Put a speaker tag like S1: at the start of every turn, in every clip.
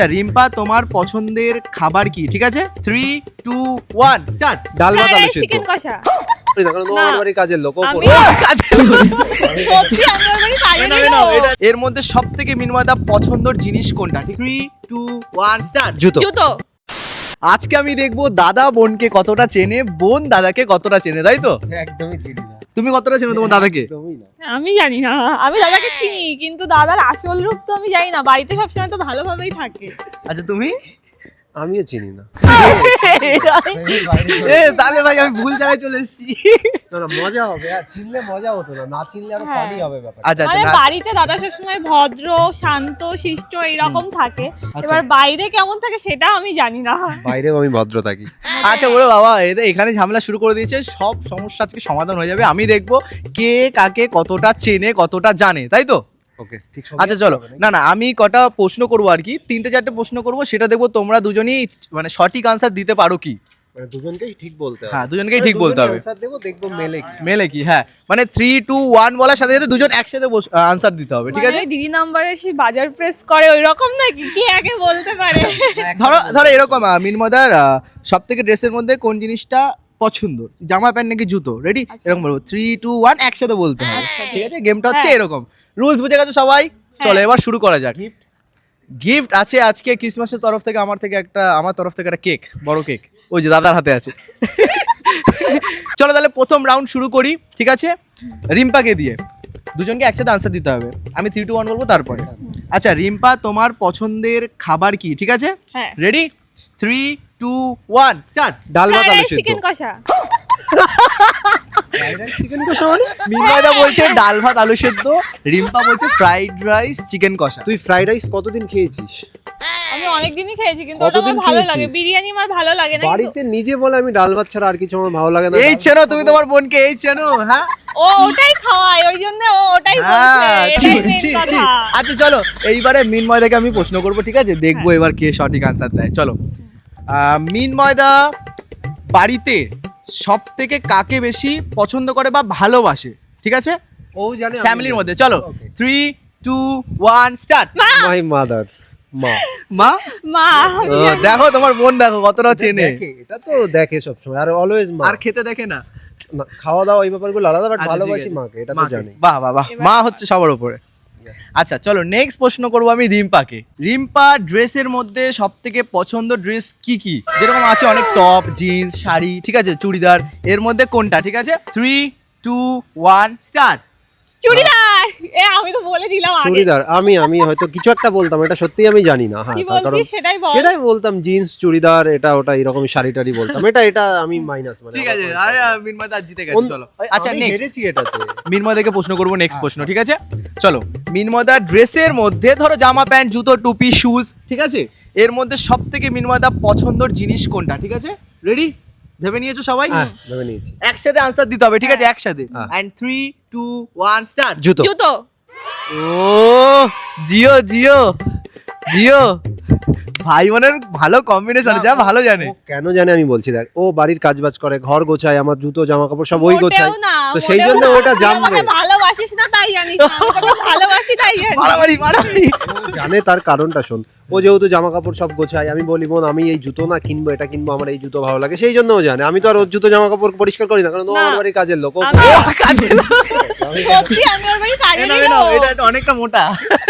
S1: রিম্পা তোমার পছন্দের খাবার কি? ঠিক আছে, 3 2 1 স্টার্ট।
S2: ডাল ভাত আলু সিদ্ধ।
S3: চিকেন কষা।
S2: কারণ ও আমার বাড়ির কাজের লোক।
S3: আমি সত্যি আমার বাড়ি কাজে লোক।
S1: এর মধ্যে সবথেকে মিনময়দা পছন্দের জিনিস কোনটা? 3 2 1 স্টার্ট।
S3: জুতো।
S1: আজকে আমি দেখবো দাদা বোনকে কতটা চেনে, বোন দাদাকে কতটা চেনে, তাই তো?
S2: একদমই চিনি না।
S1: তুমি কতটা চেনো তোমার দাদাকে?
S2: একদমই না।
S3: আমি জানি না, আমি দাদাকে চিনি কিন্তু দাদার আসল রূপ তো আমি জানি না। বাড়িতে সবসময় তো ভালোভাবেই থাকে।
S1: আচ্ছা তুমি?
S2: আমিও চিনি না।
S1: তাহলে ভাই আমি ভুল জায়গায় চলে এসেছি।
S2: না না, মজা হবে। আর চিনলে মজা হতো না, না চিনলে আরো ফানি হবে ব্যাপার।
S1: আচ্ছা
S3: মানে
S1: আচ্ছা,
S3: বাড়িতে দাদা সবসময় ভদ্র শান্ত শিষ্ট এরকম থাকে, এবার বাইরে কেমন থাকে সেটা আমি জানি না।
S2: বাইরেও আমি ভদ্র থাকি।
S1: আচ্ছা ওরে বাবা, এখানে ঝামেলা শুরু করে দিয়েছে। সব সমস্যা আজকে সমাধান হয়ে যাবে। আমি দেখবো কে কাকে কতটা চেনে, কতটা জানে, তাই তো?
S2: ওকে, ঠিক।
S1: আচ্ছা চলো, না আমি কটা প্রশ্ন করবো আর কি, 3-4টে প্রশ্ন করবো, সেটা দেখবো তোমরা দুজনই মানে সঠিক আনসার দিতে পারো কি।
S2: মানে দুজনকেই ঠিক বলতে হবে।
S1: হ্যাঁ, দুজনকেই ঠিক বলতে হবে।
S2: আনসার দেবো, দেখবো
S1: মেলে কি। হ্যাঁ, মানে 3 2 1 বলার সাথে সাথে দুজন একসাথে আনসার দিতে হবে, ঠিক আছে?
S3: মানে দিদি নাম্বারে সেই বাজার প্রেস করে ওই রকম নাকি, কে আগে বলতে পারে?
S1: ধরো এরকম, মিনমদার সব থেকে ড্রেসের মধ্যে কোন জিনিসটা পছন্দ, জামা প্যান্ট নাকি জুতো? রেডি? এরকম বলবো 3 2 1 একসাথে বলতে হবে, ঠিক আছে? গেমটা হচ্ছে এরকম, রুলস বুঝে গেছো সবাই? চলো এবার শুরু করা যাক। গিফট আছে আজকে ক্রিসমাসের তরফ থেকে, আমার তরফ থেকে একটা কেক, বড় কেক, ওই যে দাদার হাতে আছে। চলো তাহলে প্রথম রাউন্ড শুরু করি, ঠিক আছে? রিম্পাকে দিয়ে দুজনকে একসাথে আনসার দিতে হবে। আমি 3 2 1 বলবো তারপরে। আচ্ছা রিম্পা তোমার পছন্দের খাবার কি? ঠিক আছে,
S3: হ্যাঁ।
S1: রেডি? 3 2 1 স্টার্ট।
S2: ডাল ভাত আলু সিদ্ধ।
S3: চিকেন কষা।
S2: চিকেন কষা মানে?
S1: মিনময়দা বলছে ডাল ভাত আলু সেদ্ধ, রিম্পা বলছে ফ্রাইড রাইস চিকেন কষা।
S2: তুই ফ্রাইড রাইস কতদিন খেয়েছিস?
S3: আমি অনেকদিনই খেয়েছি কিন্তু ওটা আমার
S2: কতদিন
S3: ভালো
S2: খেয়েছিস?
S3: লাগে, বিরিয়ানি আমার ভালো লাগে না।
S2: বাড়িতে নিজে বলে আমি ডাল ভাত ছাড়া আর কিছু আমার ভালো লাগে না।
S1: এই চেনো তুমি তোমার বোনকে? এই চেনো? হ্যাঁ
S3: ও ওটাই খাওয়ায়, ওই জন্য ও ওটাই বলছে।
S1: হ্যাঁ,
S3: এটাই
S1: ছি,
S3: main
S1: ছি, ছি।
S3: কথা।
S1: আচ্ছা চলো এইবারে মিনময়দাকে আমি প্রশ্ন করবো, ঠিক আছে? দেখবো এবার কে সঠিক আনসার দেয়। চলো মিনময়দা বাড়িতে সব থেকে কাকে বেশি পছন্দ করে বা ভালোবাসে, ঠিক আছে?
S2: ও জানে
S1: ফ্যামিলির মধ্যে। চলো 3 2 1 স্টার্ট।
S2: My mother. মা।
S1: মা?
S3: মা
S1: ও, দেখো তোমার বোন দেখো কতটা চেনে।
S2: দেখে, এটা তো দেখে সব সময়, আর অলওয়েজ মা।
S1: আর খেতে দেখে না?
S2: না, খাওয়া দাওয়া এই ব্যাপারগুলো আলাদা, বাট
S1: আচ্ছা, ঠিক
S2: ভালোবাসি
S1: আছে।
S2: মাকে, এটা তো
S1: মাকে।
S2: জানি।
S1: বাহ বাহ বাহ, মা হচ্ছে সবার উপরে। আচ্ছা চলো নেক্সট প্রশ্ন করবো আমি রিম্পাকে। রিম্পা ড্রেসের মধ্যে সব থেকে পছন্দ ড্রেস কি কি? যেরকম আছে অনেক টপ, জিন্স, শাড়ি, ঠিক আছে, চুড়িদার, এর মধ্যে কোনটা? ঠিক আছে 3 2 1 স্টার্ট।
S3: চুড়িদার। আমি তো বলে দিলাম আগে।
S2: চুড়িদার। আমি হয়তো কিছু একটা বলতাম, এটা সত্যি আমি জানি না। হ্যাঁ,
S3: কি
S2: তার কারণ
S3: বলছিস সেটাই বল।
S2: এটাই বলতাম, জিন্স চুড়িদার এটা ওটা এরকম শাড়ি টাড়ি বলতাম। এটা আমি মাইনাস, মানে
S1: ঠিক আছে, আরে মিনময়দা আজ জিতে গেছে। চলো আচ্ছা
S2: আমি
S1: নেক্সট
S2: হেরেছি এটাতে।
S1: মিনময়দাকে প্রশ্ন করবো, নেক্সট প্রশ্ন, ঠিক আছে? চলো মিনময়দা ড্রেসের মধ্যে ধরো জামা প্যান্ট জুতো টুপি শুজ, ঠিক আছে, এর মধ্যে সব থেকে মিনময়দা পছন্দের জিনিস কোনটা? ঠিক আছে, রেডি? ভেবে নিয়েছো সবাই?
S2: হ্যাঁ, ভেবে নিয়েছি।
S1: একসাথে আনসার দিতে হবে, ঠিক আছে? একসাথে। And 3 2 1 start.
S2: জুতো।
S3: জুতো।
S1: ও জিও জিও জিও, ভাই বোনের ভালো কম্বিনেশন, যা ভালো জানে।
S2: ও কেন জানে আমি বলছি, দেখ ও বাড়ির কাজবাজ করে, ঘর গোছায়, আমার জুতো জামা কাপড় সব ওই গোছায়,
S3: মোটেও না,
S2: তো সেই
S3: মোটেও
S2: জন্য
S3: না।
S2: ওটা
S3: তুই
S2: জানবে।
S3: আমাকে ভালোবাসিস না তাই জানিস না, আমি তোকে ভালোবাসি তাই জানিস।
S1: মারামারি মারামারি।
S2: ও জানে, তার কারণটা শোন। ও যেহেতু জামা কাপড় সব গোছায়, আমি বলি বোন আমি এই জুতো না কিনবো, এটা কিনবো, আমার এই জুতো ভালো লাগে, সেই জন্য ও জানে। আমি তো আর ওর জুতো জামা কাপড় পরিষ্কার করি না, কারণ ও
S3: না।
S2: আমার বাড়ির কাজের লোক।
S3: আমি-
S1: কাজে না।
S3: সত্যি আমি ওর বাড়ি কাজে
S1: না,
S3: গেলাম।
S1: এটা একটা অনেকটা মোটা।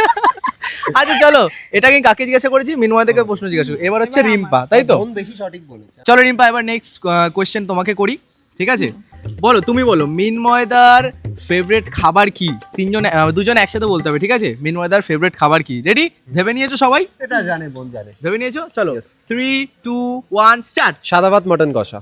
S1: আচ্ছা চলো, এটা আমি কাকে জিজ্ঞাসা করেছি? মিনময় থেকে প্রশ্ন জিজ্ঞাসা। এবার হচ্ছে রিম্পা, তাই তো?
S2: বোন বেশি সঠিক বলেছে।
S1: চলো রিম্পা, এবার নেক্সট কোয়েশ্চেন তোমাকে করি, ঠিক আছে? বলো, তুমি বলো মিনময়দার ফেভারিট খাবার কি? দুজন একসাথে বলতে হবে, ঠিক আছে? মিনময়দার ফেভারিট খাবার কি? রেডি? ভেবে নিয়েছো সবাই?
S2: এটা জানে, বোন জানে।
S1: ভেবে নিয়েছো? চলো 3 2 1 স্টার্ট।
S2: সাদা ভাত মটন কষা।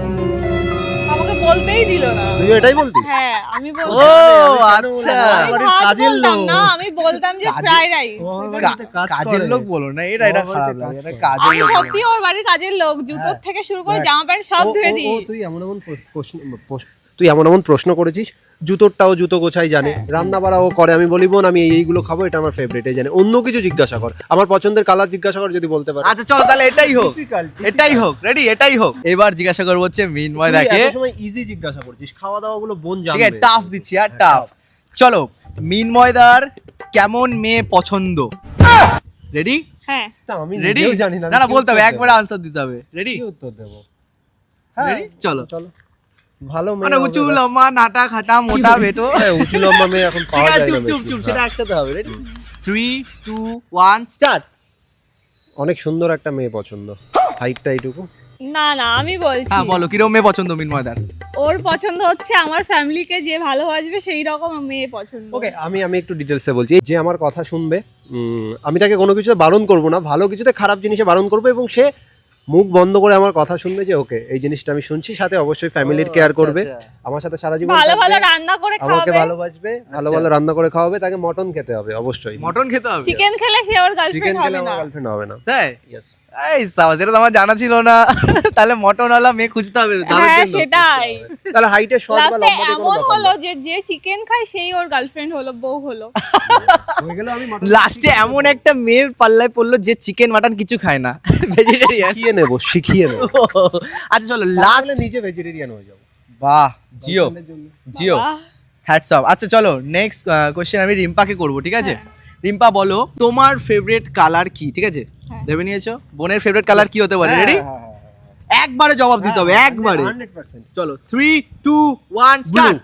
S3: আমাকে বলতেই দিল না।
S2: তুই এটাই বলতি?
S3: হ্যাঁ আমি
S1: ও
S3: বলতাম।
S1: আচ্ছা,
S3: আমি
S2: বাড়ির
S3: ভাত
S2: কাজের
S3: বলতাম
S2: লোক।
S3: না, আমি বলতাম যে ফ্রাইড রাইস।
S1: কাজের লোক বলো না, এটা
S2: ও
S1: খারাপ
S2: বাড়িতে
S1: লাগে, এটা
S2: কাজ
S1: কাজের
S3: আমি
S1: লোক।
S3: সত্যি ওর বাড়ির কাজের লোক, জুতোর থেকে শুরু করে জামা প্যান্ট সব ধুয়ে দিই।
S2: তুই এমন এমন প্রশ্ন করেছিস। জুতোরটাও জুতো গোছাই জানে, রান্না বাড়াও করে। আমি বলি বোন আমি এইগুলো খাবো, এটা আমার ফেভারিট, এই জানে। অন্য কিছু জিজ্ঞাসা কর, আমার পছন্দের কালার জিজ্ঞাসা কর, যদি বলতে পারে।
S1: আচ্ছা চলো তাহলে এটাই হোক, এটাই হোক, রেডি? এটাই হোক। এবার জিজ্ঞাসা করবো হচ্ছে মিনময়দাকে,
S2: সময় ইজি জিজ্ঞাসা করছিস, খাওয়া দাওয়া গুলো বোন
S1: ঠিক আছে?
S2: জানবে।
S1: টাফ দিচ্ছি আর টাফ। চলো মিনময়দার কেমন মেয়ে পছন্দ? রেডি?
S3: হ্যাঁ
S2: তা আমি
S1: রেডি
S2: নিজেও জানি না
S1: না
S2: আমি কি
S1: বলতে হবে
S2: উত্তর
S1: একবারে
S2: দেবো?
S1: আনসার দিতে হবে রেডি
S2: কি উত্তর দেবো? হ্যাঁ
S1: Ready? চলো।
S2: চলো ভালো মেয়ে
S1: মানে
S2: হবে
S1: উঁচু
S2: ব্যাস।
S1: লম্বা নাটা খাটা মোটা বেটো
S2: হ্যাঁ, উঁচু লম্বা মেয়ে এখন
S1: ঠিক
S2: পাওয়া
S1: আছে
S2: যায়
S1: চুপ
S2: না
S1: চুপ
S2: বেশি।
S1: চুপ
S2: হ্যাঁ।
S1: সেটা একসাথে হবে রেডি 3 2 1 স্টার্ট
S2: অনেক সুন্দর একটা মেয়ে পছন্দ, হাইটটা এইটুকু।
S3: না না আমি বলছি
S1: হ্যাঁ বলো কিরকম মেয়ে পছন্দ মিনময়দার
S3: ওর পছন্দ হচ্ছে আমার ফ্যামিলিকে যে ভালোবাসবে সেই রকম মেয়ে পছন্দ
S2: ওকে আমি একটু ডিটেলসে বলছি। যে আমার কথা শুনবে, আমি তাকে কোনো কিছুতে বারণ করব না, ভালো কিছুতে খারাপ জিনিসে বারণ করব, এবং সে মুখ বন্ধ করে আমার কথা শুনবে যে ওকে এই জিনিসটা আমি শুনছি, সাথে অবশ্যই ফ্যামিলির কেয়ার করবে, আমার সাথে সারা জীবন
S3: ভালো ভালো
S2: থাকবে,
S3: রান্না করে
S2: আমাকে
S3: খাওয়াবে
S2: ভালোবাসবে, ভালো ভালো রান্না করে খাওয়াবে, তাকে মটন খেতে হবে অবশ্যই।
S1: মটন খেতে হবে
S3: চিকেন খেলে সে ওর
S2: চিকেন
S3: গার্লফ্রেন্ড
S2: খেলে
S3: হবে
S2: আমার
S3: না
S2: গার্লফ্রেন্ড হবে না।
S1: তাই
S2: ইয়েস।
S1: এই সাবাস এটা তো আমার জানা ছিল না তাহলে মটনওয়ালা মেয়ে খুঁজতে হবে দারুণ
S3: হ্যাঁ
S1: জন্য।
S3: সেটাই
S2: তাহলে হাইটে শর্ট বা
S3: লাস্টে
S2: লম্বাতে কোনো
S3: এমন
S2: ব্যাপার
S3: হলো
S2: না।
S3: যে যে চিকেন খায় সেই ওর গার্লফ্রেন্ড হলো বউ হলো
S2: হয়ে গেল আমি মটন
S1: লাস্টে এমন একটা মেয়ের পাল্লায় পড়লো যে চিকেন মাটন কিছু খায় না ভেজিটেরিয়ান
S2: শিখিয়ে নেব, শিখিয়ে নেব।
S1: আচ্ছা চলো
S2: লাস্ট
S1: লাস্ট
S2: নিজে ভেজিটেরিয়ান হয়ে যাবো
S1: বাহ জিও জিও
S3: বাহ।
S1: হ্যাটস অফ আচ্ছা চলো নেক্সট কোশ্চেন আমি রিম্পাকে করব ঠিক আছে
S3: হ্যাঁ।
S1: রিম্পা বলো তোমার ফেভারিট কালার কি ঠিক আছে
S3: হ্যাঁ।
S1: ভেবে নিয়েছো বোনের ফেভারিট কালার কি হতে পারে রেডি একবারে জবাব দিতে হবে একবারে
S2: 100%।
S1: চলো 3 2 1 স্টার্ট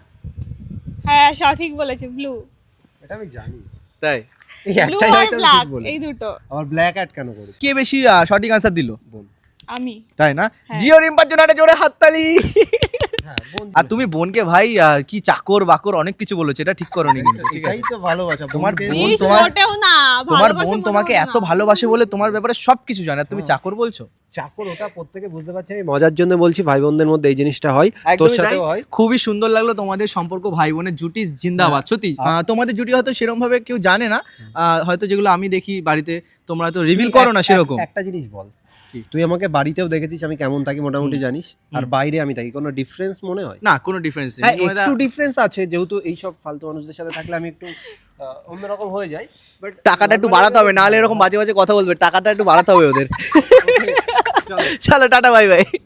S3: হ্যাঁ সঠিক বলেছে ব্লু
S2: এটা আমি জানি।
S1: তাই
S2: এই
S3: ব্লু
S2: একটাই
S3: আর
S2: হয়তো আমি
S3: ব্ল্যাক
S2: ঠিক বলেছি।
S3: এই দুটো
S2: আবার ব্ল্যাক অ্যাড কেন করি?
S1: কে বেশি সঠিক আনসার দিল
S2: বোন।
S3: আমি
S1: তাই না
S3: হ্যাঁ।
S1: জিও রিম্পার জন্য একটা জোরে হাততালি
S2: হ্যাঁ, বোন।
S1: আর তুমি বোনকে ভাই কি চাকর বাকর অনেক কিছু বলেছো এটা ঠিক করোনি কিন্তু ঠিক আছে
S2: এটাই তো ভালোবাসা।
S1: তোমার
S2: বোনকে-
S1: বোন
S3: প্লিজ
S1: তোমার-
S3: মোটেও না
S1: তোমার
S3: ভালোবাসা
S1: বোন
S3: মোটেও
S1: তোমাকে
S3: না।
S1: এত ভালোবাসে বলে তোমার ব্যাপারে সবকিছু জানে আর তুমি চাকর বলছো
S2: চাকর ওটা প্রত্যেকে বুঝতে পারছে, আমি মজার জন্য বলছি, ভাই বোনদের মধ্যে এই জিনিসটা হয়, তোর
S1: একদমই তাই।
S2: সাথেও হয়।
S1: খুবই সুন্দর লাগলো তোমাদের সম্পর্ক ভাই বোনের জুটি জিন্দাবাদ সত্যি তোমাদের জুটি হয়তো সেরকম ভাবে কেউ জানে না হয়তো যেগুলো আমি দেখি বাড়িতে তোমরা তো রিভিল করো না সেরকম
S2: একটা জিনিস বল,
S1: কি?
S2: তুই আমাকে বাড়িতেও দেখেছিস আমি কেমন থাকি মোটামুটি জানিস, আর বাইরে আমি থাকি, কোনো ডিফারেন্স মনে হয়?
S1: না কোনো ডিফারেন্স নেই
S2: হ্যাঁ
S1: তোমাদের-
S2: একটু ডিফারেন্স আছে, যেহেতু এইসব ফালতু মানুষদের সাথে থাকলে আমি একটু অন্যরকম হয়ে যাই, বাট
S1: টাকাটা একটু বাড়াতে হবে নাহলে এরকম বাজে বাজে কথা বলবে টাকাটা একটু বাড়াতে হবে ওদের চলো টাটা বাই বাই